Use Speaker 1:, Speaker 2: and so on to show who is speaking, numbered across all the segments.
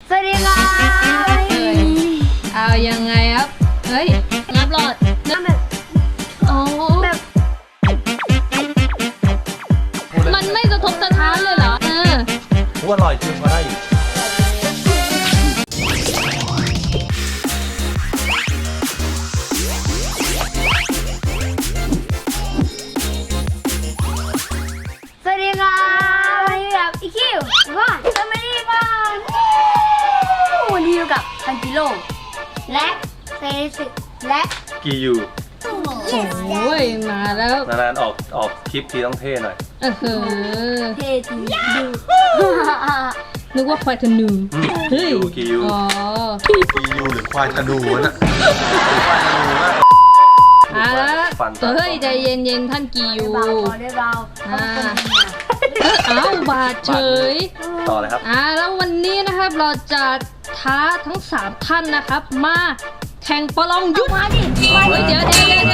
Speaker 1: สวัสดีครับ
Speaker 2: เอายังไงครับเฮ้ยนับหลอดนับ
Speaker 1: แบบ
Speaker 2: อ๋อ
Speaker 1: แบบ
Speaker 2: มันไม่สะทกสะท้านเลยเหรอ
Speaker 3: พูดอร่อยจริงก็ได้อยู่
Speaker 1: สวัสดีครับวันนี้กับอีคิวก่อนสวัสดีครับวันนี้อยู่กับทันจิโร่และเซซิและ
Speaker 3: กียู
Speaker 2: โอ้ยมาแล้ว
Speaker 3: นานๆออกคลิปทีต้องเท่หน่อย
Speaker 2: เออ
Speaker 1: เททีดู
Speaker 2: นึกว่าควายธนูเฮ้ย
Speaker 3: กียู
Speaker 2: อ๋อ
Speaker 3: กียูหรือควายธนูน่ะควายธนูน่ะ
Speaker 2: อ่ะ
Speaker 3: ฟัน
Speaker 2: เฮ้ยใจเย็นๆท่านกียู
Speaker 1: เบาพอได้เบา
Speaker 2: เอ้าบาดเฉย
Speaker 3: ต่อเลยครับ
Speaker 2: แล้ววันนี้นะครับเราจะท้าทั้ง3ท่านนะครับมาแข่งประลองยุทธ
Speaker 1: มาดิ
Speaker 2: เฮ้ยเดี๋ยวใจเย็น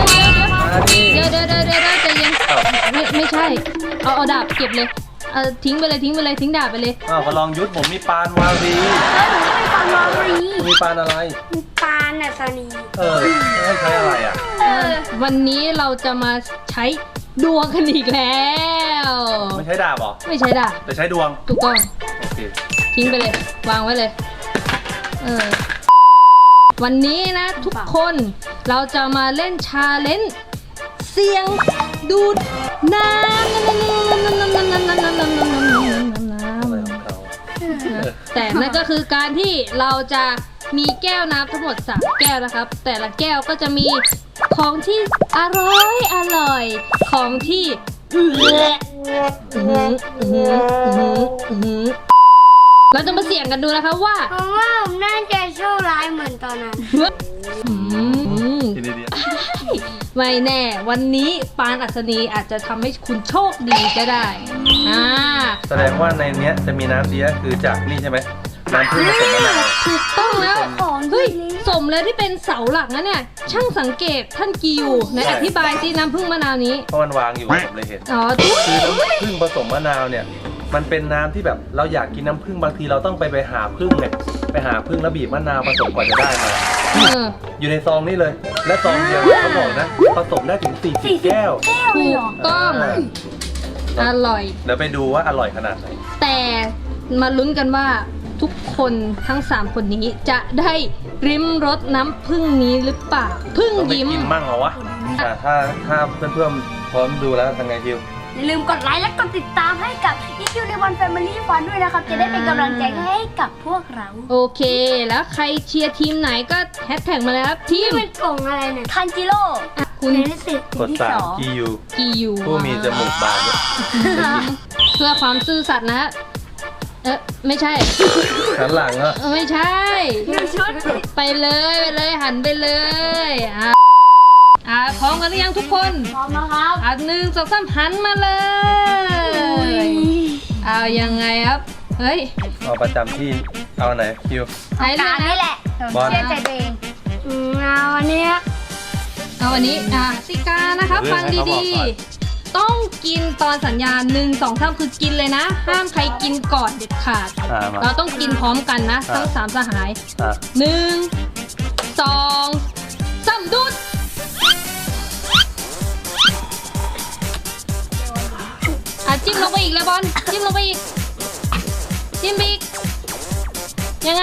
Speaker 2: ไม่ใช่เอาดาบเก็บเลยทิ้งไปเลยทิ้งดาบไปเลย
Speaker 3: มาลองยุทธผมมีปานวารี
Speaker 1: ปานวารี
Speaker 3: มีปานอะไร
Speaker 1: ปานอัศนี
Speaker 3: ให้ใช้อะไรอ่ะ
Speaker 2: วันนี้เราจะมาใช้ดวงกันอีกแล้ว
Speaker 3: ไม่ใช้ดาบหรอ
Speaker 2: ไม่ใช่ดาบ
Speaker 3: แต่ใช้ดวง
Speaker 2: ถูกต้อง
Speaker 3: โอเค
Speaker 2: ทิ้งไปเลยวางไว้เลยวันนี้นะทุกคนเราจะมาเล่นชาเลนจ์เสียงดูดน้ำแต่นั่นก็คือการที่เราจะมีแก้วน้ำทั้งหมด3แก้วนะครับ แต่ละแก้วก็จะมีของที่อร่อยของที่เราจะมาเสี่ยงกันดูนะคะว่า
Speaker 1: ผมว่าผมน่าจะโชคร้ายเหมือนตอนนั้น
Speaker 3: ทีนี้เดียว
Speaker 2: ไม่แน่วันนี้ปานอัศนีอาจจะทำให้คุณโชคดีก็ได้
Speaker 3: แสดงว่าในเนี้ยจะมีน้ำเสียคือจากนี่ใช่ไหมน้ำผึ้งผสมมะนาว
Speaker 2: ถูกต้องแล้ว
Speaker 1: ของ
Speaker 2: เฮ้ยสมแล้วที่เป็นเสาหลักนะเนี่ยช่างสังเกตท่านกิวไหนอธิบายสิน้ำผึ้งมะนาวนี้
Speaker 3: เพราะมันวางอยู่ผมเลยเห็น
Speaker 2: อ๋อ
Speaker 3: คือน้ำผึ้งผสมมะนาวเนี่ยมันเป็นน้ำที่แบบเราอยากกินน้ำผึ้งบางทีเราต้องไปหาผึ้งเนี่ยไปหาผึ้งแล้วบีบมะนาวผสมกว่าจะได้มาอยู่ในซองนี้เลย และซองเดียวเขาบอกนะผสมได้ถึง40แก้ว
Speaker 2: ถูกต้องอร่อย
Speaker 3: เดี๋ยวไปดูว่าอร่อยขนาดไหน
Speaker 2: แต่มาลุ้นกันว่าทุกคนทั้ง3คนนี้จะได้ริมรสน้ำผึ้งนี้หรือเปล่าผึ้ง
Speaker 3: ต้องไป
Speaker 2: ยิ้ม
Speaker 3: กินมั่งเหรอวะถ้าเพื่อนๆพร้อมดูแล้วทำไงคิว
Speaker 1: อย่าลืมกดไลค์และกดติดตามให้กับอีคิวในวันแฟมิลี่ฟันด้วยนะครับ จะได้เป็นกำลังใจให้กับพวกเรา
Speaker 2: โอเคแล้วใครเชียร์ทีมไหนก็แฮชแท็กมาเลยครับทีม
Speaker 1: เป็นกล่องอะไรเนี่ยทันจิโร่
Speaker 2: คุณ
Speaker 1: เนลิสิต
Speaker 3: กด
Speaker 1: ที่
Speaker 3: 3กียู
Speaker 2: กียู
Speaker 3: ผู้มีจมูกบานด้วย
Speaker 2: เพื่อความซื่อสัตย์นะไม่ใช่
Speaker 3: หันหลังอ่ะ
Speaker 2: ไม่ใช่
Speaker 1: ชุด
Speaker 2: ไปเลยหันไปเลยพร้อมกันหรือยังทุกคน
Speaker 1: พร้อมแล้วครับ
Speaker 2: 1 2 3หันมาเลยเอายังไงครับเฮ้ย
Speaker 3: เอาประจำที่เอาไหนคิว
Speaker 2: ไหน
Speaker 1: การ
Speaker 2: นะ
Speaker 1: นี่แหละ
Speaker 3: บอล
Speaker 1: เชื่อใจตัวเองเอาวันนี้
Speaker 2: เอาวันนี้สิกานะคะฟังดีๆต้องกินตอนสัญญาณ1 2 3คือกินเลยนะ ห้ามใครกินก่อนเด็ดขาด
Speaker 3: มา
Speaker 2: เราต้องกินพร้อมกันนะทั้ง3สหาย 1 2 3ดูดจิ้มลงไปอีกเลยบอลจิ้มลงไปอีกจิ้มไปอีกยังไง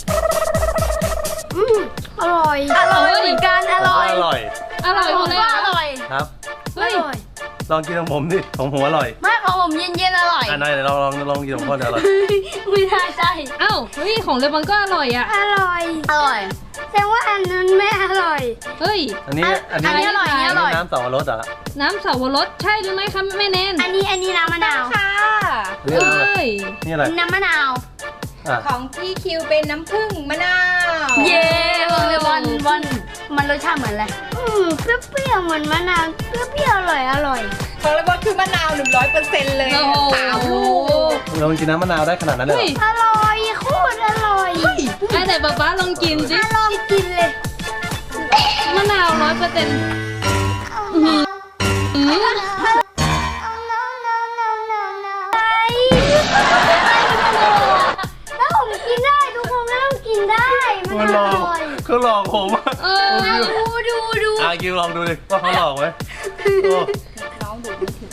Speaker 1: อร่อยเหมือนกันอร่อย
Speaker 3: อร่อย
Speaker 2: อร่อยหมดเลย
Speaker 1: อร่อย
Speaker 3: ครับ
Speaker 2: เฮ้ย
Speaker 3: ลองกินของผมดิของผมอร่อย
Speaker 1: ไม่ของผมเย็นๆอร่อย
Speaker 3: นายลองกินของพ่อเดี๋ยวอร่อย
Speaker 1: ไม่น่าใช่
Speaker 2: เอ้าเฮ้ยของเลบอนก็อร่อยอ่ะ
Speaker 1: อร่อยแต่ว่าอันนั้นไม่อร่อย
Speaker 2: เฮ้ย
Speaker 3: อันนี้
Speaker 1: อันนี้อร่อยอันนี้อร่อย
Speaker 3: น้ำสองรสเหรอ
Speaker 2: น้ำเสาวรสใช่หรือไม่คะแม่แนน
Speaker 1: อันนี้น้ำมะนาวค่ะ
Speaker 3: นี่อะไร
Speaker 2: เอ้ย
Speaker 3: นี่อะไร
Speaker 1: น้ำมะนาว
Speaker 3: อ่ะ
Speaker 4: ของพี่คิวเป็นน้ำผึ้งมะนาว
Speaker 1: เย้บอกเลยวันมันรสชาติเหมือนอะไรเปรี้ยวๆเหมือนมะนาวเปรี้ยวๆอร่อย
Speaker 4: ของระเบิดคือมะนาว 100%เลย
Speaker 2: โอ้โห
Speaker 4: 3 ลูก
Speaker 3: เรากินน้ำมะนาวได้ขนาดนั้นเลย
Speaker 2: เฮ้
Speaker 3: เหร
Speaker 2: ย
Speaker 3: อ
Speaker 1: อร่อยโคตรอร่อย
Speaker 2: แต่ป๊าลองกินสิ
Speaker 1: ลองกินเลย
Speaker 2: มะนาว100%
Speaker 1: แล้วผมกินได้ได้มันอร่อย
Speaker 3: เขาหลอกผมอะ
Speaker 2: เออ
Speaker 1: ดู
Speaker 3: กิวลองดูดิว่าเขาหลอกไหมโอ้
Speaker 4: น้องดูไม่ถึง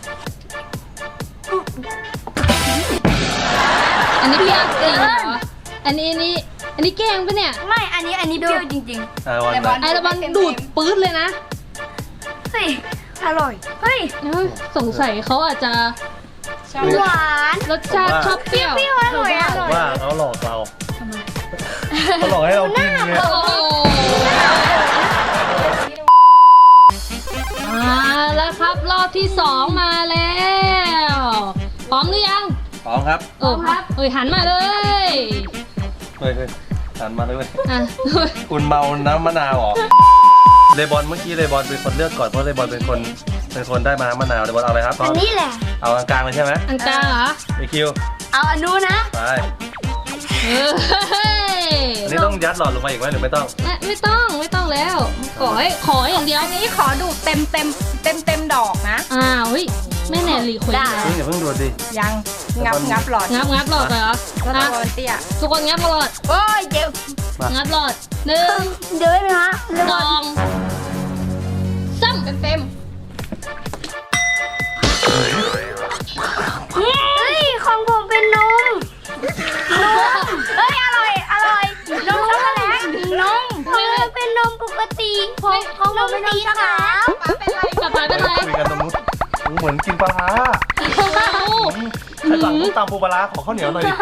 Speaker 2: อันนี้พี่อาร์ตเองเหรออันนี้แกล้งปะเนี่ย
Speaker 1: ไม่อันนี้เปรี้ยวจริง
Speaker 3: วัน
Speaker 4: แต่
Speaker 3: ไป
Speaker 2: ไอระบันดูดปื๊ดเลยนะ
Speaker 1: ๆเฮ้ยอร่อยเฮ้ย
Speaker 2: สงสัยเขาอาจจะ
Speaker 4: ชอบ
Speaker 1: หวาน
Speaker 2: รสชาติชอบเปรี้ยว
Speaker 1: เปรี้ยวอร่อย
Speaker 3: ผมว่าเขาหลอกเราเขาหลอกให้เรากินไง
Speaker 2: โอ้โหแล้วครับรอบที่2มาแล้วพร้อมหรือยัง
Speaker 3: พร้อมครับ
Speaker 2: โอ้ครับเฮ้ยหันมาเลย
Speaker 3: เฮ้ยหันมาเลยเว้ย
Speaker 2: อ่ะ
Speaker 3: คุณเมาน้ำมะนาวเหรอเลบอนเมื่อกี้เลบอนเป็นคนเลือกก่อนเพราะเลบอนเป็นคนได้มาน้ำมะนาวเลบอนเอาอะไรครับ
Speaker 1: อันนี้แหละ
Speaker 3: เอากลางๆเลยใช่ไหม
Speaker 2: อันกลางเหรอ
Speaker 3: ไอคิว
Speaker 1: เอาอันนู้นนะ
Speaker 3: ไป
Speaker 2: เฮ้ย
Speaker 3: อันนี้ต้องยัดหลอดลงมาอีกไหมหรือไม่ต้อง
Speaker 2: ไม่ต้องแล้ว ขออย่างเดียว
Speaker 4: อันนี้ขอดูเต็มดอกนะ
Speaker 2: อ้าวเฮ้ยไม่แน่หลีคุย
Speaker 1: ได้
Speaker 3: อย่าเพิ่งดูดดิ
Speaker 4: ยังงับหลอด
Speaker 2: งับหลอดเลยเหรอ
Speaker 4: ก็ตะ
Speaker 2: อ่ะ
Speaker 4: โกนเตี้ย
Speaker 2: ทุกคนงับหลอด
Speaker 1: โอ้ยเจ็บ
Speaker 2: งับหลอดหนึ่ง
Speaker 1: เดี๋ยวนะฮะเร็ว
Speaker 2: สองสาม
Speaker 4: เต็ม
Speaker 1: เฮ้ยของผมเป็นนมเฮ้ยอร่อยนมช็อกโกแลตนมมันเป็นนมปกติของผมเป็นนมขาว
Speaker 4: ๆป้าเป็นไร
Speaker 2: กลับไปเป็นไร
Speaker 3: คุยกันตรงนู้นเหมือนกินปลาร้าใครสั่งต้มตำปูปลาร้าขอข้าวเหนียวหน่อยดิ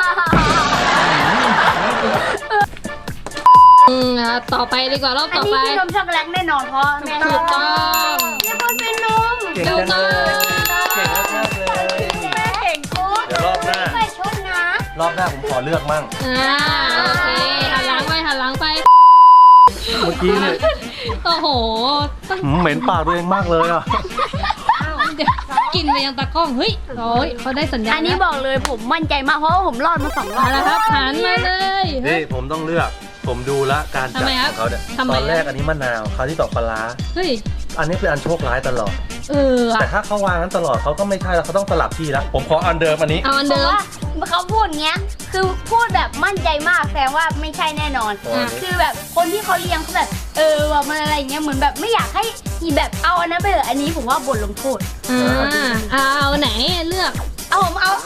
Speaker 2: ต่อไปดีกว่ารอบ
Speaker 1: อัน
Speaker 2: ต่อ
Speaker 1: นี้
Speaker 2: ไป
Speaker 1: คือนมช็อกโกแลตแน่นอนเพราะแม่
Speaker 2: ถูกต้อง
Speaker 1: เนี่ยมันเป็นนม
Speaker 3: เก่งจังเลยเก่งมากๆเลย
Speaker 4: แม่เก่งกู
Speaker 3: เดี๋ยวรอบหน้า
Speaker 1: ไปชดนะ
Speaker 3: รอบหน้าผมขอเลือกมั่ง
Speaker 2: โอเคหันหลังไป
Speaker 3: เมื่อกี้เนี่ย
Speaker 2: โอ้โหต้อง
Speaker 3: เหม็นปากตัวเองมากเลยอ่ะ
Speaker 2: เดี๋ยวกินไปยังตากล้องเฮ้ยโอ้ยเขาได้สัญญาณ
Speaker 1: อันนี้บอกเลยผมมั่นใจมากเพราะว่าผมรอดมา2 รอบ
Speaker 2: มาแล้วครับหันมาเลย
Speaker 3: นี่ผมต้องเลือก ผมดูละการจัด
Speaker 2: ทำไมครับ
Speaker 3: ของเขาเนี่ย
Speaker 2: ทำไม
Speaker 3: ตอนแรกอันนี้มะนาวคราวที่ต่อปลาร้า
Speaker 2: เฮ้ย
Speaker 3: อันนี้เป็นอันโชคร้ายตลอด
Speaker 2: อะ
Speaker 3: แต่ถ้าเขาวางนั้นตลอดเขาก็ไม่ใช่แล้วเขาต้องสลับที่แล้วผมขออันเดิมอันนี้
Speaker 2: เอาอัน
Speaker 1: เพ
Speaker 2: เดิ
Speaker 1: ราะ
Speaker 2: ม
Speaker 1: ว่าเขาพูดเงี้ย คือพูดแบบมั่นใจมากแสดงว่าไม่ใช่แน่นอน
Speaker 3: อ่ะ
Speaker 1: คือแบบคนที่เขาเลี้ยงเขาแบบว่ามันอะไรเงี้ยเหมือนแบบไม่อยากให้แบบเอาอันนั้นไปเถอะอันนี้ผมว่าบทลงโทษ
Speaker 2: เอาไหนเลือก
Speaker 1: เอาผมเอา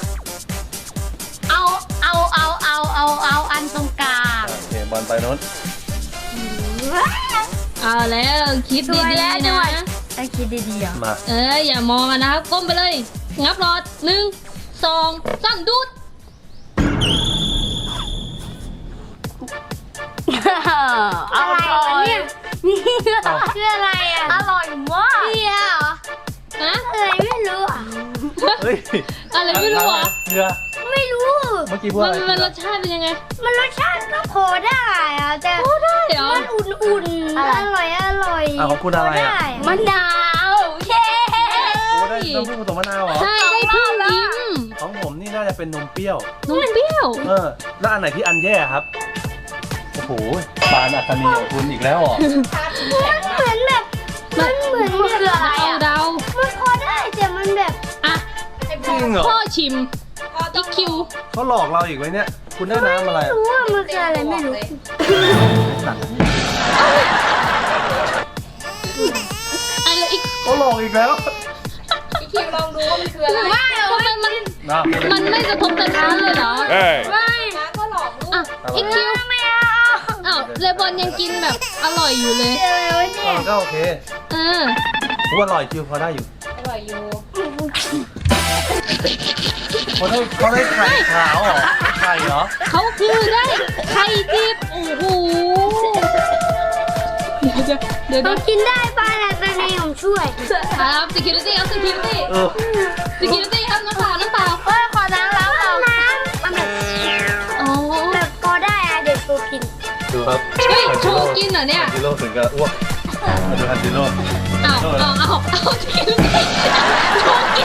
Speaker 1: อันตรงกลาง
Speaker 3: โอเคบอลไปโน้น
Speaker 2: เอาแล้วคิดดีๆนะ
Speaker 1: ไอ้คิดดีๆอ่ะ
Speaker 3: มา
Speaker 2: อย่ามองกันนะครับก้มไปเลย งับหลอด1 2 3ดูด
Speaker 1: อะไรเนี่ยคืออะไรอ่ะอร่อยมากเนี่ยเหรอ
Speaker 2: ฮะ
Speaker 1: อะไรไม่รู้อ่ะ
Speaker 3: เฮ้ย
Speaker 2: อะไรไม่รู้อ่ะ
Speaker 3: เกลือ
Speaker 1: ไม่รู้
Speaker 3: เมื่อกี้พูดอะไร
Speaker 2: มันรสชาติเป็นยังไง
Speaker 1: มันรสชาติก็พอได้อะแต่
Speaker 2: โอ้ได้เหรอ
Speaker 1: มันอุ่นๆอร่อย
Speaker 3: อ่ะของคุณอะไรอ่ะ
Speaker 1: มะนาวเย้
Speaker 3: โอ้ได้น้ำผึ้งผสมมะนาวเหรอ
Speaker 2: ใช่ได้พึ่งยิ้ม
Speaker 3: ของผมนี่น่าจะเป็นนมเปรี้ยว
Speaker 2: นมเปรี้ยว
Speaker 3: แล้วอันไหนที่อันแย่ครับ โอ้โหปานอัศนีของคุณอีกแล้วเหรอ
Speaker 1: เหมือนแบบมันเหมือนคืออะไรอ่ะ
Speaker 2: เดา
Speaker 1: มันพอได้แต่มันแบบ
Speaker 2: อ่ะ
Speaker 3: จริงเหรอ
Speaker 2: พ่อชิม
Speaker 4: พ่อต้
Speaker 2: อี
Speaker 4: อง
Speaker 2: คิว
Speaker 3: เขาหลอกเราอีกไว้เนี่ย คุณได้น้ำอะไร
Speaker 1: รู้ว่ามันคืออะไรไม่รู้
Speaker 2: อะไรอีก
Speaker 3: เขาหลอกอีกแล้ว
Speaker 4: พี่คิวลองดูว่ามันคืออะไร
Speaker 1: ว่า
Speaker 2: ทำไมมัน
Speaker 3: นะ
Speaker 2: มันไม่กระทบกระทั่งเลยเหรอ
Speaker 1: ไม่
Speaker 4: น้าก็หลอกลูก
Speaker 2: อ่ะอีคิว
Speaker 1: ไม่เอา
Speaker 2: อ้าวเลบอนยังกินแบบอร่อยอยู่เลย
Speaker 1: อะไรวะเนี่ย
Speaker 3: ก็โอเค
Speaker 2: เออ
Speaker 3: ผมว่าอร่อยคิวพอได้อยู่
Speaker 4: อร่อยอยู่
Speaker 3: เขาได้ไข่ขาวเหรอไข่เหรอ
Speaker 2: เขาคือได้ไข่ดิบโอ้โหเดี๋ยว
Speaker 1: เรากินได้ป้าแต่ตอนนี้ผมช่วย
Speaker 2: ครับ security ครับ security
Speaker 3: เออ
Speaker 2: security ครับน้ำเปล่า
Speaker 1: เฮ้ยขอน้ำแล้วน้ำมันแบบ
Speaker 2: อ๋อ
Speaker 1: แบบพอได้อะเด็กตัวกิน
Speaker 3: ดูครับ
Speaker 2: เฮ้ยโชว์กินเหรอเนี่ย
Speaker 3: ฮันจิโร่ถึงกับอ้วกมาดูฮันจิโร่
Speaker 2: เอาsecurity โชว์กิน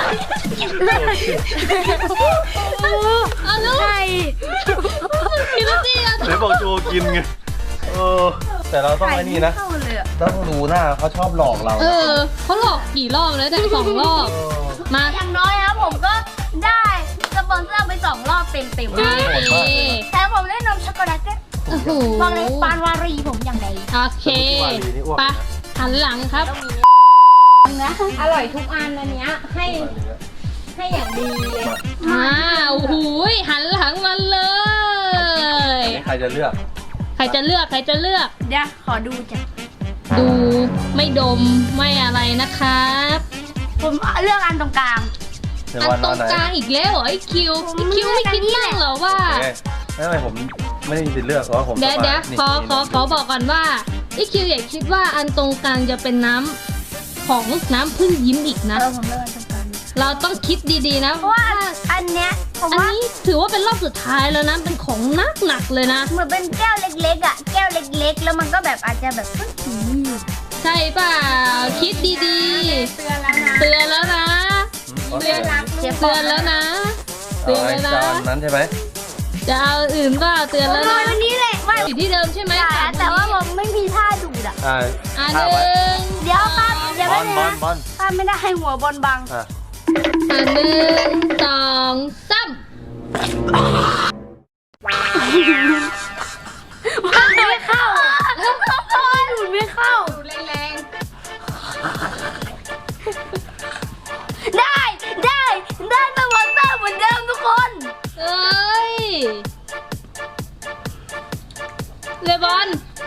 Speaker 2: เอาลูก
Speaker 1: ใช่
Speaker 2: security อ่ะ
Speaker 3: ไหนบอกโจกินไงแต่เราต้องไอ้นี่นะ
Speaker 1: เข้าเลยอะ
Speaker 3: ต้องดูหน้าเขาชอบหลอกเรา
Speaker 2: เขาหลอกกี่รอบแล้วแต่2 รอบ มา
Speaker 1: อย่างน้อยครับผมก็ได้สปอนเซอร์ไป2 รอบเต็ม
Speaker 2: โอเค
Speaker 1: ๆแต่ผมได้นมช็อกโกแลตก็บอกเลยปานวารีผมอย่างไร
Speaker 2: โอเคไปหันหลังครับ
Speaker 1: นะ
Speaker 4: อร่อยทุกอันอันเนี้ยให้อย่างดีเลย
Speaker 2: โอ้โหหันหลังมาเลย
Speaker 3: ใครจะเลือก
Speaker 2: ใครจะเลือกใครจะเลือก
Speaker 1: เดี๋ยวขอดูจ้ะ
Speaker 2: ดูไม่ดมไม่อะไรนะครับ
Speaker 1: ผมเลือกอันตรงกลาง
Speaker 3: เดี๋ยว
Speaker 2: อัน
Speaker 3: วัน
Speaker 2: ต
Speaker 3: น
Speaker 2: ร
Speaker 3: อน
Speaker 2: ง
Speaker 3: ไหน
Speaker 2: กลางอีกแล้วเหรอไอ้คิวไม่คิดบ้างเหรอว่า
Speaker 3: โอเคไม่เป็นไรผมไม่ได้มีสิทธิ์เลือกเพราะว่าผม
Speaker 2: เดี๋ยว
Speaker 3: สบา
Speaker 2: เดี๋ยว
Speaker 3: นี่
Speaker 2: ขอบอกก่อนว่าไอ้คิวอย่าคิดว่าอันตรงกลางจะเป็นน้ำของน้ำพึ่งยิ้มอีกนะ
Speaker 1: ผมเลือกอันตรงกลาง
Speaker 2: เราต้องคิดดีๆนะ
Speaker 1: เพราะว่าอันเนี้ยผม
Speaker 2: อัน
Speaker 1: ว่า
Speaker 2: นี้ถือว่าเป็นรอบสุดท้ายแล้วนะเป็นของหนักเลยนะ
Speaker 1: เหมือนเป็นแก้วเล็กๆอ่ะแก้วเล็กๆ แล้วมันก็แบบอาจจะแบบ
Speaker 2: ใช่เปล่าคิดดี
Speaker 4: เตือนแล้วนะ
Speaker 2: ๆเตือนแล้วนะ
Speaker 3: โอเค
Speaker 2: เตือนแล้วนะเตือน
Speaker 3: เอา
Speaker 2: แล้ว
Speaker 3: ไอ้
Speaker 2: นะ
Speaker 3: จานนั้นใช่ไหม
Speaker 2: จะเอาอื่นก็เตือนแล้ว
Speaker 1: นอ
Speaker 2: นะ
Speaker 1: นวันนี้เลยไม่
Speaker 2: อยู่ที่เดิมใช่ไหม
Speaker 1: แต่ว่าผมไม่มีท่าดูดอ่ะ
Speaker 3: อ่า
Speaker 2: อ่ะห
Speaker 3: ข้าวไว้
Speaker 2: นึ่ง
Speaker 1: เดี๋ยวครับเดี๋ยว
Speaker 3: บ
Speaker 1: ไม่
Speaker 3: อล
Speaker 1: ได้
Speaker 3: บอล
Speaker 1: นะ
Speaker 3: บอล
Speaker 1: ถ้าไม่ได้ให้หัวบอลบัง
Speaker 3: อ่ะ
Speaker 2: หนึ่งสองสาม
Speaker 1: ไม่เข้าดูดไม่เข้า
Speaker 4: ดูแรง
Speaker 1: ได้สปอนเซอร์เหมือนเดิมทุกคน
Speaker 2: เอ้ยเลบอน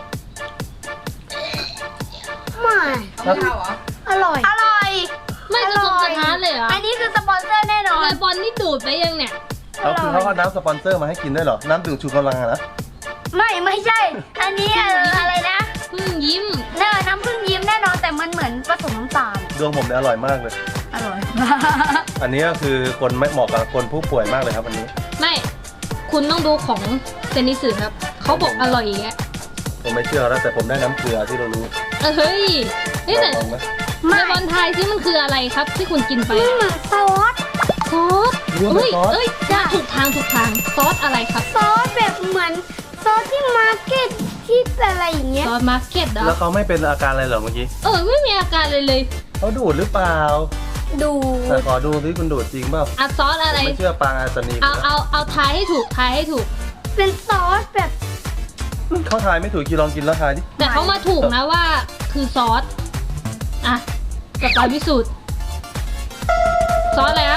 Speaker 1: ไม่
Speaker 4: ๆเอาไม่เข้าเหรอ
Speaker 1: อร่อย
Speaker 2: ไม่กระทบกระทะเลยเหรอ
Speaker 1: อันนี้คือสปอนเซอร์แน่นอน
Speaker 2: เลบอนนี่ดูดไปยังเนี่ย
Speaker 3: แล้วคือเขาเอาน้ำสปอนเซอร์มาให้กินด้วยเหรอ น้ำดื่มชูกำลังอะนะ
Speaker 1: ไม่ใช่ อันนี้อะไรนะ
Speaker 2: พึ่งยิ้ม
Speaker 1: น้ำผึ้งยิ้มแน่นอนแต่มันเหมือนผสมน้ำตาล
Speaker 3: ดวงผมเนี่ยอร่อยมากเลย
Speaker 1: อร่อย
Speaker 3: อันนี้ก็คือคนไม่เหมาะกับคนผู้ป่วยมากเลยครับอันนี้
Speaker 2: ไม่ คุณต้องดูของเซนิสึครับ เขาบอกอร่อยอย่างเงี้ย
Speaker 3: ผมไม่เชื่อแล้วแต่ผมได้น้ำเกลือที่เรารู้
Speaker 2: เฮ้ยนี่แต่
Speaker 3: ลองไหม
Speaker 2: เลบอนไทยที่มันคืออะไรครับที่คุณกินไป
Speaker 1: เหมือนซอส
Speaker 2: ซอสเอ้ยได้ถูกทางซอสอะไรครับ
Speaker 1: ซอสแบบเหมือนซอสที่มาร์เก็ตที่อะไรอย่างเงี้ย
Speaker 2: ซอสมาร์เก็ตเหรอ
Speaker 3: แล้วเขาไม่เป็นอาการอะไรเหรอเมื่อกี้
Speaker 2: ไม่มีอาการเลย
Speaker 3: เขาดูดหรือเปล่า
Speaker 1: ดู
Speaker 3: แต่ขอดูที่คุณดูดจริงเปล่า
Speaker 2: ซอสอะไร
Speaker 3: ผมไม่เชื่อปางอาตานี
Speaker 2: เอาทายให้ถูก
Speaker 1: เป็นซอสแบบ
Speaker 3: เขาทายไม่ถูกกี่ลองกินแล้วทายดิ
Speaker 2: แต่เขามาถูกนะว่าคือซอส อ่ะกับการพิสูจน์ ซอสอะไรฮะ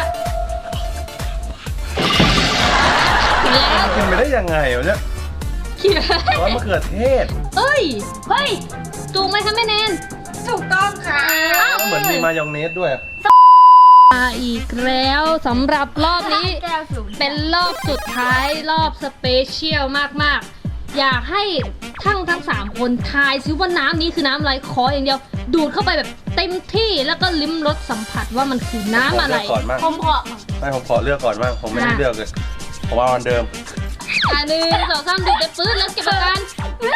Speaker 2: แล้ว
Speaker 3: กินไปได้ยังไงวะเนี่ย
Speaker 2: คิด
Speaker 3: ซอสมะเขือเทศ
Speaker 2: เฮ้ยถูกไหมคะแม่แนน
Speaker 4: ถูกต้องค่ะ
Speaker 3: เหมือนมีมายองเนสด้วย
Speaker 2: อีกแล้วสำหรับรอบนี้
Speaker 1: แก้วสูง
Speaker 2: เป็นรอบสุดท้ายรอบสเปเชียลมากๆ อยากให้ทั้ง 3 คนทายซิว่าน้ำนี้คือน้ำอะไรขออย่างเดียว ดูดเข้าไปแบบเต็มที่แล้วก็ลิ้มรสสัมผัสว่ามันคือน้ำอะไร
Speaker 3: ผมเลือกก่อนมาก
Speaker 1: ผมขอ
Speaker 3: ไม่ผมขอเลือกก่อนมากผมไม่ได้เลือกเลยผมเอาอันเดิม
Speaker 2: หนึ่งสองสามดูดไปปื้ดแล้วเก็บอาการ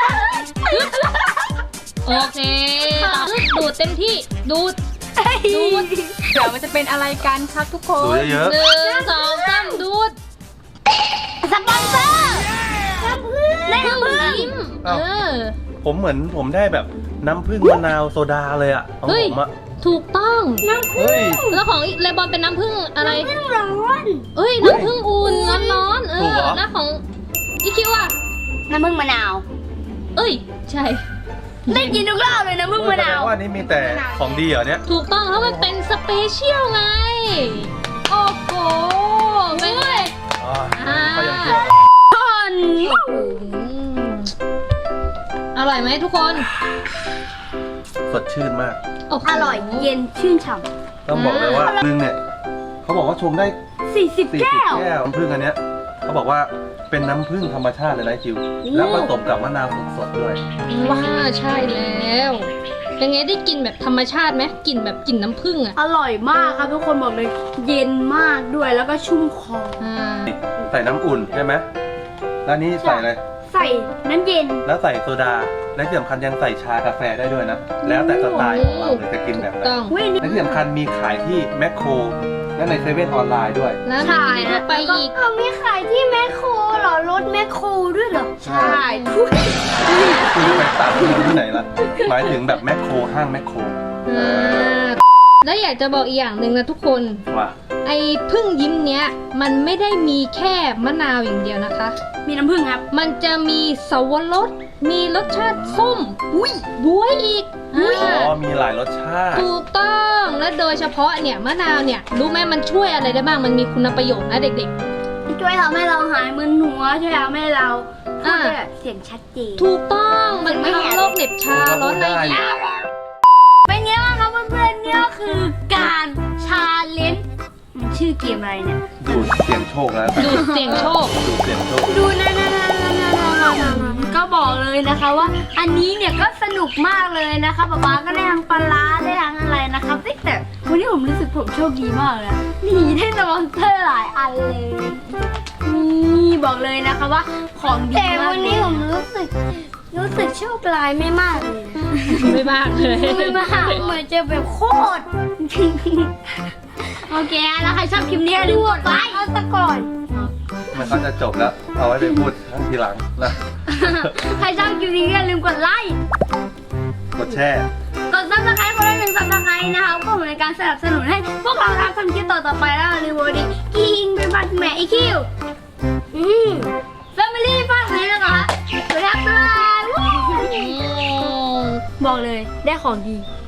Speaker 2: โอเคดูดเต็มที่ดูด
Speaker 4: เดี๋ยวมันจะเป็นอะไรกันครับทุกค
Speaker 3: ดู
Speaker 4: น
Speaker 3: เยอะ
Speaker 2: หนึ่งสองสามดูด
Speaker 1: สปอนเซอร์ได้น้ำผึ้ง
Speaker 2: ยิ้ม
Speaker 3: ๆผมเหมือนผมได้แบบน้ำผึ้งมะนาวโซดาเลยอะของ
Speaker 2: เฮ้ย
Speaker 3: ผมอะ
Speaker 2: ถูกต้อง
Speaker 3: เฮ้ย
Speaker 2: แล้วของเลบอนเป็นน้ำผึ้งอะไร
Speaker 1: น้ำผึ้งร้อน
Speaker 2: เอ้ยน้ำผึ้งอุ่นร้อนๆ
Speaker 3: ถูกเหรอ
Speaker 2: แล้วของอีคิวอ่ะ
Speaker 1: น้ำผึ้งมะนาว
Speaker 2: เอ้ยใช่
Speaker 1: ได้กินทุกรอบเลยน้ำผึ้งมะนาว
Speaker 3: แสดงว่านี่มีแต่ของดีเหรอเนี่ย
Speaker 2: ถูกต้องแล้วมันเป็นสเปเชียลไง โอ้โหเป็นไง
Speaker 3: อ๋อ
Speaker 2: อ่า
Speaker 3: เขายังกิน
Speaker 2: อร่อยไหมทุกคน
Speaker 3: สดชื่นมาก
Speaker 2: โโห
Speaker 1: อร่อยเย็นชื่นฉ่
Speaker 3: ต้องบอกเลยว่านึงเนี่ยเขาบอกว่าชงได้
Speaker 1: ำ40
Speaker 3: 40
Speaker 1: แก้ว
Speaker 3: แก้วน้ำผึ้งอันเนี้ยเขาบอกว่าเป็นน้ำผึ้งธรรมชาติเลยนะจิวแล้วผสมกับมะนาวสดๆด้วย
Speaker 2: ว้าใช่แล้วเป็นไงได้กลิ่นแบบธรรมชาติไหมกลิ่นแบบกลิ่นน้ำผึ้งอ่ะ
Speaker 1: อร่อยมากครับทุกคนบอกเลยเย็นมากด้วยแล้วก็ชุ่มคอ
Speaker 2: อ่า
Speaker 3: ใส่น้ำอุ่นใช่ไหมแล้วนี่ใส่อะไร
Speaker 1: ใส่น้ำเย็น
Speaker 3: แล้วใส่โซดา และที่สำคัญยังใส่ชากาแฟได้ด้วยนะ แล้วแต่สไตล์ของเราเลยจะกินแบบไหน
Speaker 2: ต้อง
Speaker 1: เว้ยนี่
Speaker 3: และที่สำคัญมีขายที่แมคโครและในเซเว่นออนไลน์ด้วย
Speaker 2: แล้วมี
Speaker 1: ใช่
Speaker 2: ที่ทั่วไปอีก
Speaker 1: มีขายที่แมคโครเหรอรถแมคโครด้วยเหรอ
Speaker 3: ใช่
Speaker 1: ทุก
Speaker 3: คุณจะไปตัดที่ไหนล่ะ หมายถึงแบบแมคโครห้างแมคโคร
Speaker 2: แล้วอยากจะบอกอีกอย่างหนึ่งนะทุกคน
Speaker 3: ว่า
Speaker 2: ไอ้พึ่งยิ้มเนี้ยมันไม่ได้มีแค่มะนาวอย่างเดียวนะคะ
Speaker 1: มีน้ำผึ้งครับ
Speaker 2: มันจะมีสวรสมีรสชาติส้มบ๊วยอีก
Speaker 3: อ๋อ มีหลายรสชาติ
Speaker 2: ถูกต้องและโดยเฉพาะเนี่ยมะนาวเนี่ยรู้ไหมมันช่วยอะไรได้บ้างมันมีคุณประโยชน์นะเด็ก
Speaker 1: ช่วยทำให้เราหายมึนหัวช่วยทำให้เราพูดได้แบบเสียงชัดเจน
Speaker 2: ๆ ถูกต้องมันทำโรคเหน็บชาร้อนในอีก
Speaker 1: เป็นไงบ้างครับเพื่อนๆเนี่ยคือการชาเลนจ์มันชื่อเกมอะไรเนี่ย
Speaker 3: ดูดเสียงโชคแล้ว
Speaker 2: ดูดเสียงโชค
Speaker 3: ดูดเสียงโชค
Speaker 1: ดูนะก็บอกเลยนะคะว่า อันนี้เนี่ยก็สนุกมากเลยนะคะป๊าป๊าก็ได้ทั้งปลาร้าได้ทั้งอะไรนะครับแต่วันนี้ผมรู้สึกผมโชคดีมากเลยนี่ได้สปอนเซอร์หลายอันเลยนี่บอกเลยนะคะว่าของดีมากแต่วันนี้ผมรู้สึกโชคร้ายไม่มากเลย
Speaker 2: ไม่มากเลย
Speaker 1: ไม่มากเหมือนจะแบบโคตร โอเคแล้วใครชอบคลิปนี้อย่าลืมกดไลค์เอาซะก่อน
Speaker 3: มันก็จะจบแล้ว เอาไว้ไปพูดครั้งทีหลังนะ
Speaker 1: ใครชอบคลิปนี้อย่าลืมกดไลค์
Speaker 3: กดแชร์
Speaker 1: กดซับสไครต์คนละ1 ซับสไครต์นะคะก็เหมือนการสนับสนุนให้พวกเราทำคลิปต่อๆไปแล้วอย่าลืมวันนี้กินเป็นบัตรแม่อีคิวFamily ฝากเลยนะคะสวัสดีครับบอกเลยได้ของดี